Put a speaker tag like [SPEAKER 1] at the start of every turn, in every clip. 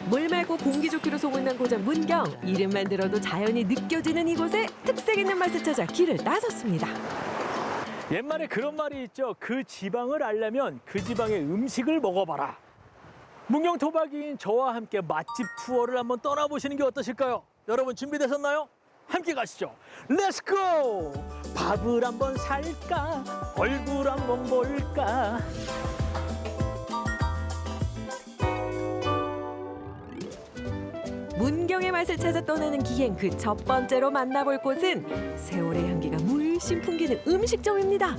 [SPEAKER 1] 물 맑고 공기 좋기로 소문난 고장 문경. 이름만 들어도 자연이 느껴지는 이곳에 특색 있는 맛을 찾아 길을 나섰습니다.
[SPEAKER 2] 옛말에 그런 말이 있죠. 그 지방을 알려면 그 지방의 음식을 먹어봐라. 문경 토박이인 저와 함께 맛집 투어를 한번 떠나보시는 게 어떠실까요? 여러분 준비되셨나요? 함께 가시죠. 렛츠고! 밥을 한번 살까? 얼굴 한번 볼까?
[SPEAKER 1] 문경의 맛을 찾아 떠나는 기행 그 첫 번째로 만나볼 곳은 세월의 향기가 물씬 풍기는 음식점입니다.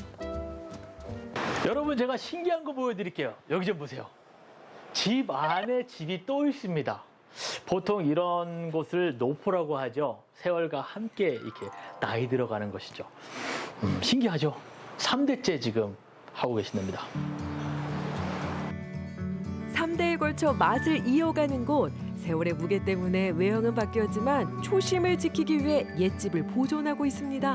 [SPEAKER 2] 여러분 제가 신기한 거 보여드릴게요. 여기 좀 보세요. 집 안에 집이 또 있습니다. 보통 이런 곳을 노포라고 하죠. 세월과 함께 이렇게 나이 들어가는 것이죠. 신기하죠? 3대째 지금 하고 계신답니다.
[SPEAKER 1] 3대에 걸쳐 맛을 이어가는 곳. 세월의 무게 때문에 외형은 바뀌었지만 초심을 지키기 위해 옛집을 보존하고 있습니다.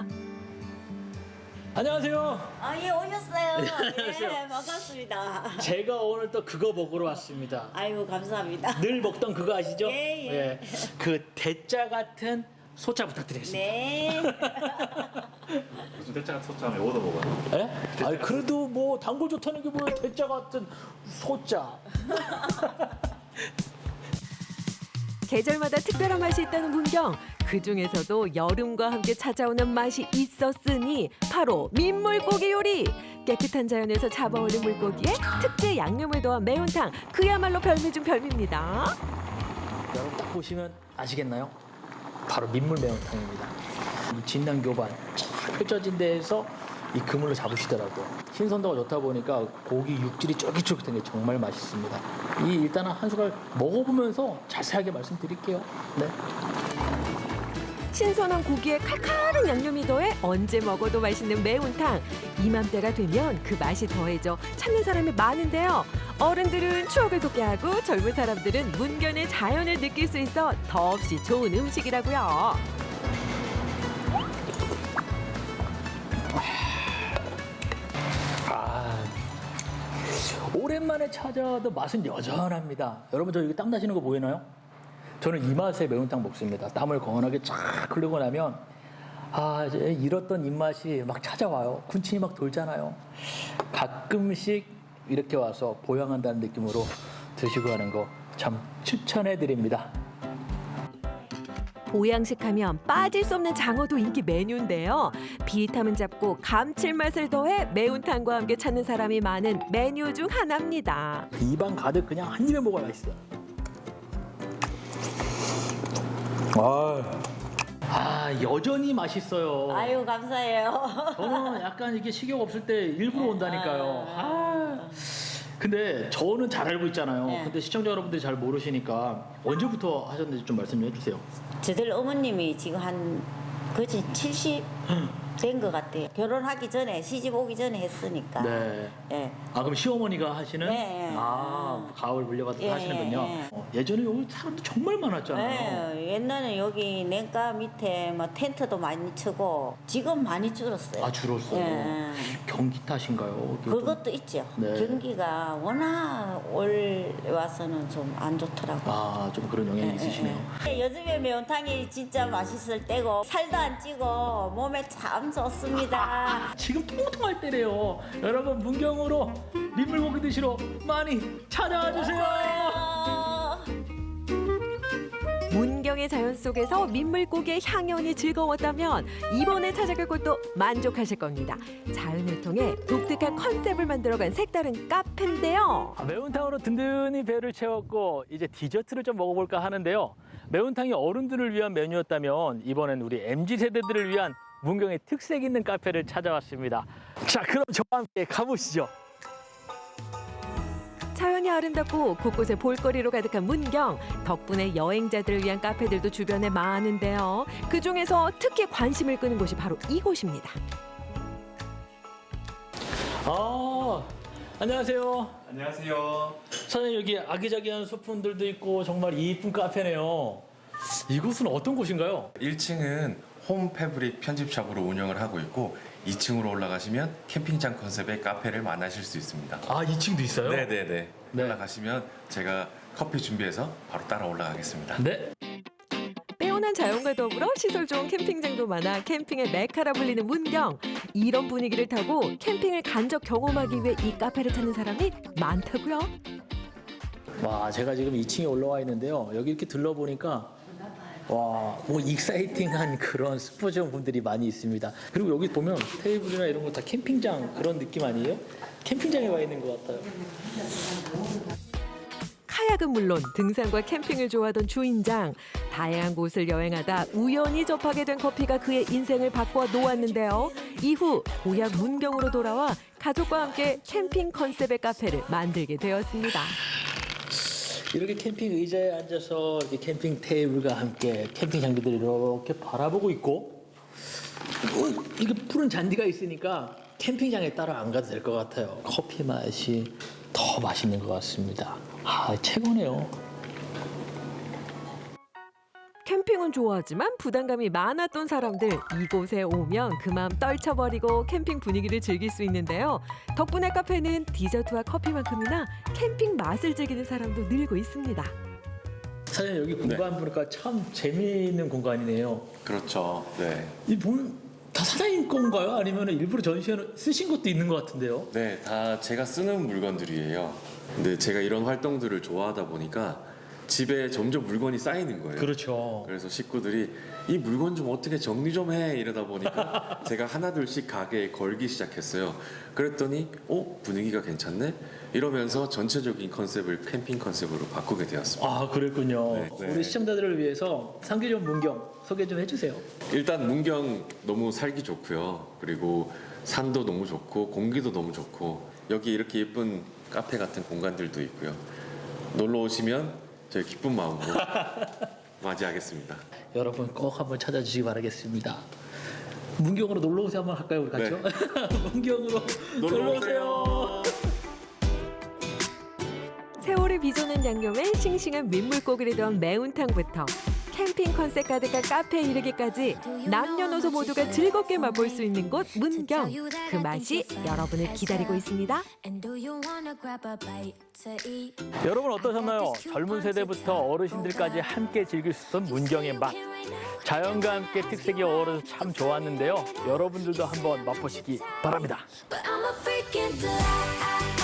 [SPEAKER 2] 안녕하세요.
[SPEAKER 3] 예, 오셨어요.
[SPEAKER 2] 안녕하세요.
[SPEAKER 3] 예, 반갑습니다.
[SPEAKER 2] 제가 오늘 또 그거 먹으러 왔습니다.
[SPEAKER 3] 아이고, 감사합니다.
[SPEAKER 2] 늘 먹던 그거 아시죠?
[SPEAKER 3] 예, 예.
[SPEAKER 2] 그 대짜 같은 소짜 부탁드리겠습니다.
[SPEAKER 3] 네.
[SPEAKER 4] 무슨 대짜 소짜면 얻어 먹어요.
[SPEAKER 2] 예? 아니 그래도 뭐 단골 좋다는 게 뭐예요? 대짜 같은 소짜.
[SPEAKER 1] 계절마다 특별한 맛이 있다는 문경. 그중에서도 여름과 함께 찾아오는 맛이 있었으니 바로 민물고기 요리. 깨끗한 자연에서 잡아올린 물고기에 특제 양념을 더한 매운탕. 그야말로 별미 중 별미입니다.
[SPEAKER 2] 여러분 딱 보시면 아시겠나요? 바로 민물 매운탕입니다. 이 진난교반 쫙 펼쳐진 데에서 이 그물로 잡으시더라고요. 신선도가 좋다 보니까 고기 육질이 쫄깃쫄깃한 게 정말 맛있습니다. 일단은 한 숟갈 먹어보면서 자세하게 말씀드릴게요. 네.
[SPEAKER 1] 신선한 고기에 칼칼한 양념이 더해 언제 먹어도 맛있는 매운탕. 이맘때가 되면 그 맛이 더해져 찾는 사람이 많은데요. 어른들은 추억을 돋게 하고 젊은 사람들은 문견의 자연을 느낄 수 있어 더없이 좋은 음식이라고요.
[SPEAKER 2] 오랜만에 찾아도 맛은 여전합니다. 여러분 저 여기 땀 나시는 거 보이나요? 저는 이 맛에 매운탕 먹습니다. 땀을 거원하게 쫙 흘리고 나면 이제 잃었던 입맛이 막 찾아와요. 군침이 막 돌잖아요. 가끔씩 이렇게 와서 보양한다는 느낌으로 드시고 하는 거 참 추천해 드립니다.
[SPEAKER 1] 보양식하면 빠질 수 없는 장어도 인기 메뉴인데요. 비타민 잡고 감칠맛을 더해 매운탕과 함께 찾는 사람이 많은 메뉴 중 하나입니다.
[SPEAKER 2] 입안 가득 그냥 한 입에 먹어야 맛있어요. 여전히 맛있어요.
[SPEAKER 3] 아이고, 감사해요.
[SPEAKER 2] 저는 약간 이게 식욕 없을 때 일부러 온다니까요. 근데 저는 잘 알고 있잖아요.
[SPEAKER 3] 네.
[SPEAKER 2] 근데 시청자 여러분들이 잘 모르시니까 언제부터 하셨는지 좀 말씀 좀 해주세요.
[SPEAKER 3] 저들 어머님이 지금 한 거진 70 된 것 같아요. 결혼하기 전에, 시집 오기 전에 했으니까.
[SPEAKER 2] 네.
[SPEAKER 3] 예.
[SPEAKER 2] 그럼 시어머니가 하시는?
[SPEAKER 3] 네.
[SPEAKER 2] 가을 물려받아서
[SPEAKER 3] 예,
[SPEAKER 2] 하시는군요.
[SPEAKER 3] 예.
[SPEAKER 2] 예전에 여기 사람도 정말 많았잖아요.
[SPEAKER 3] 예, 옛날에 여기 냉가 밑에 뭐 텐트도 많이 치고 지금 많이 줄었어요.
[SPEAKER 2] 줄었어요.
[SPEAKER 3] 예.
[SPEAKER 2] 경기 탓인가요?
[SPEAKER 3] 그것도 있죠.
[SPEAKER 2] 네.
[SPEAKER 3] 경기가 워낙 올 와서는 좀 안 좋더라고요.
[SPEAKER 2] 좀 그런 영향이 있으시네요.
[SPEAKER 3] 요즘에 매운탕이 진짜 맛있을 때고 살도 안 찌고 몸에 참 좋습니다.
[SPEAKER 2] 지금 통통할 때래요. 여러분 문경으로 민물고기 드시러 많이 찾아와 주세요.
[SPEAKER 1] 문경의 자연 속에서 민물고기의 향연이 즐거웠다면 이번에 찾아갈 곳도 만족하실 겁니다. 자연을 통해 독특한 컨셉을 만들어간 색다른 카페인데요.
[SPEAKER 2] 매운탕으로 든든히 배를 채웠고 이제 디저트를 좀 먹어볼까 하는데요. 매운탕이 어른들을 위한 메뉴였다면 이번엔 우리 MZ세대들을 위한 문경의 특색 있는 카페를 찾아왔습니다. 자, 그럼 저와 함께 가보시죠.
[SPEAKER 1] 자연이 아름답고 곳곳에 볼거리로 가득한 문경. 덕분에 여행자들을 위한 카페들도 주변에 많은데요. 그중에서 특히 관심을 끄는 곳이 바로 이곳입니다.
[SPEAKER 2] 안녕하세요.
[SPEAKER 4] 안녕하세요.
[SPEAKER 2] 사장님 여기 아기자기한 소품들도 있고 정말 이쁜 카페네요. 이곳은 어떤 곳인가요?
[SPEAKER 4] 1층은 홈 패브릭 편집샵으로 운영을 하고 있고 2층으로 올라가시면 캠핑장 컨셉의 카페를 만나실 수 있습니다.
[SPEAKER 2] 2층도 있어요?
[SPEAKER 4] 네네네.
[SPEAKER 2] 네.
[SPEAKER 4] 올라가시면 제가 커피 준비해서 바로 따라 올라가겠습니다.
[SPEAKER 2] 네.
[SPEAKER 1] 빼어난 자연과 더불어 시설 좋은 캠핑장도 많아 캠핑의 메카라 불리는 문경. 이런 분위기를 타고 캠핑을 간접 경험하기 위해 이 카페를 찾는 사람이 많다고요.
[SPEAKER 2] 와, 제가 지금 2층에 올라와 있는데요. 여기 이렇게 들러보니까 와, 뭐 익사이팅한 그런 스포츠용 분들이 많이 있습니다. 그리고 여기 보면 테이블이나 이런 거 다 캠핑장 그런 느낌 아니에요? 캠핑장에 와 있는 것 같아요.
[SPEAKER 1] 카약은 물론 등산과 캠핑을 좋아하던 주인장. 다양한 곳을 여행하다 우연히 접하게 된 커피가 그의 인생을 바꿔 놓았는데요. 이후 고향 문경으로 돌아와 가족과 함께 캠핑 컨셉의 카페를 만들게 되었습니다.
[SPEAKER 2] 이렇게 캠핑 의자에 앉아서 이렇게 캠핑 테이블과 함께 캠핑 장비들을 이렇게 바라보고 있고 이게 푸른 잔디가 있으니까 캠핑장에 따라 안 가도 될 것 같아요. 커피 맛이 더 맛있는 것 같습니다. 아, 최고네요.
[SPEAKER 1] 캠핑은 좋아하지만 부담감이 많았던 사람들 이곳에 오면 그 마음 떨쳐버리고 캠핑 분위기를 즐길 수 있는데요. 덕분에 카페는 디저트와 커피만큼이나 캠핑 맛을 즐기는 사람도 늘고 있습니다.
[SPEAKER 2] 사장님 여기 공간 보니까 참 재미있는 공간이네요.
[SPEAKER 4] 그렇죠. 네.
[SPEAKER 2] 이 보면 다 사장님 건가요? 아니면 일부러 전시회 쓰신 것도 있는 것 같은데요?
[SPEAKER 4] 네, 다 제가 쓰는 물건들이에요. 근데 제가 이런 활동들을 좋아하다 보니까 집에 점점 물건이 쌓이는 거예요.
[SPEAKER 2] 그렇죠.
[SPEAKER 4] 그래서 식구들이 이 물건 좀 어떻게 정리 좀 해 이러다 보니까 제가 하나둘씩 가게에 걸기 시작했어요. 그랬더니 분위기가 괜찮네 이러면서 전체적인 컨셉을 캠핑 컨셉으로 바꾸게 되었습니다.
[SPEAKER 2] 아, 그랬군요.
[SPEAKER 4] 네, 네.
[SPEAKER 2] 우리 시청자들을 위해서 상계점 문경 소개 좀 해주세요.
[SPEAKER 4] 일단 문경 너무 살기 좋고요. 그리고 산도 너무 좋고 공기도 너무 좋고 여기 이렇게 예쁜 카페 같은 공간들도 있고요. 놀러 오시면 저희 기쁜 마음으로 맞이하겠습니다.
[SPEAKER 2] 여러분 꼭 한번 찾아주시기 바라겠습니다. 문경으로 놀러 오세요 한번 할까요 우리 같이요? 문경으로 놀러 오세요.
[SPEAKER 1] 세월을 빚어낸 양념에 싱싱한 민물고기를 넣은 매운탕부터 캠핑 컨셉 가득한 카페에 이르기까지 남녀노소 모두가 즐겁게 맛볼 수 있는 곳 문경. 그 맛이 여러분을 기다리고 있습니다.
[SPEAKER 2] 여러분 어떠셨나요? 젊은 세대부터 어르신들까지 함께 즐길 수 있던 문경의 맛. 자연과 함께 특색이 어우러서 참 좋았는데요. 여러분들도 한번 맛보시기 바랍니다.
[SPEAKER 5] But I'm a freak into that.